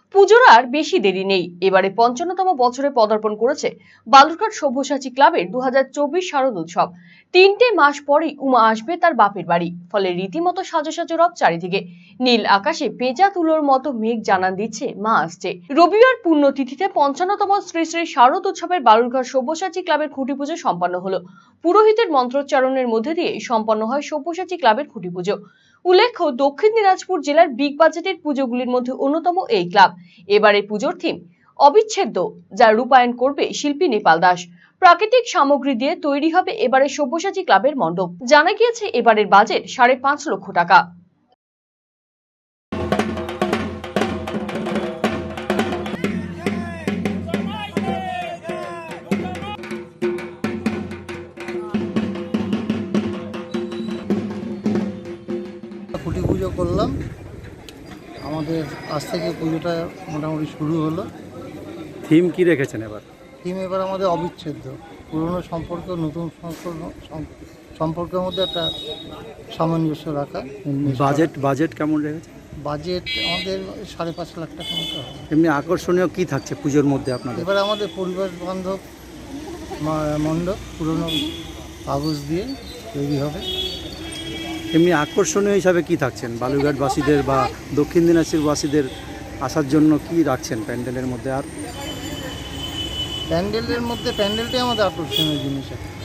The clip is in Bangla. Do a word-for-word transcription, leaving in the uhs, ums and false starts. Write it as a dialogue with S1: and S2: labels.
S1: পুজোর আর বেশি দেরি নেই। এবারে পঞ্চান্নতম বছরে পদার্পণ করেছে বালুরঘাট সব্যসাচী ক্লাবের দু হাজার চব্বিশ শারদ উৎসব। তিনটে মাস পরেই উমা আসবে তার বাপের বাড়ি, ফলে রীতিমতো সাজো সাজো রব চারিদিকে। নীল আকাশে পেঁচা তুলোর মতো মেঘ জানান দিচ্ছে মা আসছে। রবিবার পুণ্যতিথিতে পঞ্চান্নতম শ্রী শ্রী শারদ উৎসবের বালুরঘাট সব্যসাচী ক্লাবের খুঁটি পুজো সম্পন্ন হলো। পুরোহিতের মন্ত্রোচ্চারণের মধ্যে দিয়ে সম্পন্ন হয় সব্যসাচী ক্লাবের খুঁটি পুজো। উল্লেখ্য, দক্ষিণ দিনাজপুর জেলার বিগ বাজেটের পুজোগুলির মধ্যে অন্যতম এই ক্লাব। এবারে পুজোর থিম অবিচ্ছেদ্য, যা রূপায়ণ করবে শিল্পী নেপাল দাস। প্রাকৃতিক সামগ্রী দিয়ে তৈরি হবে এবারে সব্যসাচী ক্লাবের মণ্ডপ। জানা গিয়েছে এবারের বাজেট সাড়ে পাঁচ লক্ষ টাকা।
S2: খুঁটি পুজো করলাম, আমাদের আজ থেকে পুজোটা মোটামুটি শুরু হলো।
S3: থিম কি রেখেছেন এবার?
S2: থিম এবার আমাদের অবিচ্ছেদ্য, পুরনো সম্পর্ক নতুন সম্পর্ক সম্পর্কের মধ্যে একটা সামঞ্জস্য রাখা।
S3: বাজেট বাজেট কেমন রেখেছে?
S2: বাজেট আমাদের সাড়ে পাঁচ লাখ টাকা মতো হবে।
S3: এমনি আকর্ষণীয় কি থাকছে পুজোর মধ্যে আপনাদের?
S2: এবার আমাদের পরিবেশ বান্ধব মণ্ডপ পুরনো কাগজ দিয়ে তৈরি হবে।
S3: এমনি আকর্ষণীয় হিসাবে কি থাকছেন বালুরঘাটবাসীদের বা দক্ষিণ দিনাজপুরবাসীদের আসার জন্য কি রাখছেন প্যান্ডেলের মধ্যে? আর
S2: প্যান্ডেলের মধ্যে প্যান্ডেলটাই আমাদের আকর্ষণীয় জিনিস আছে।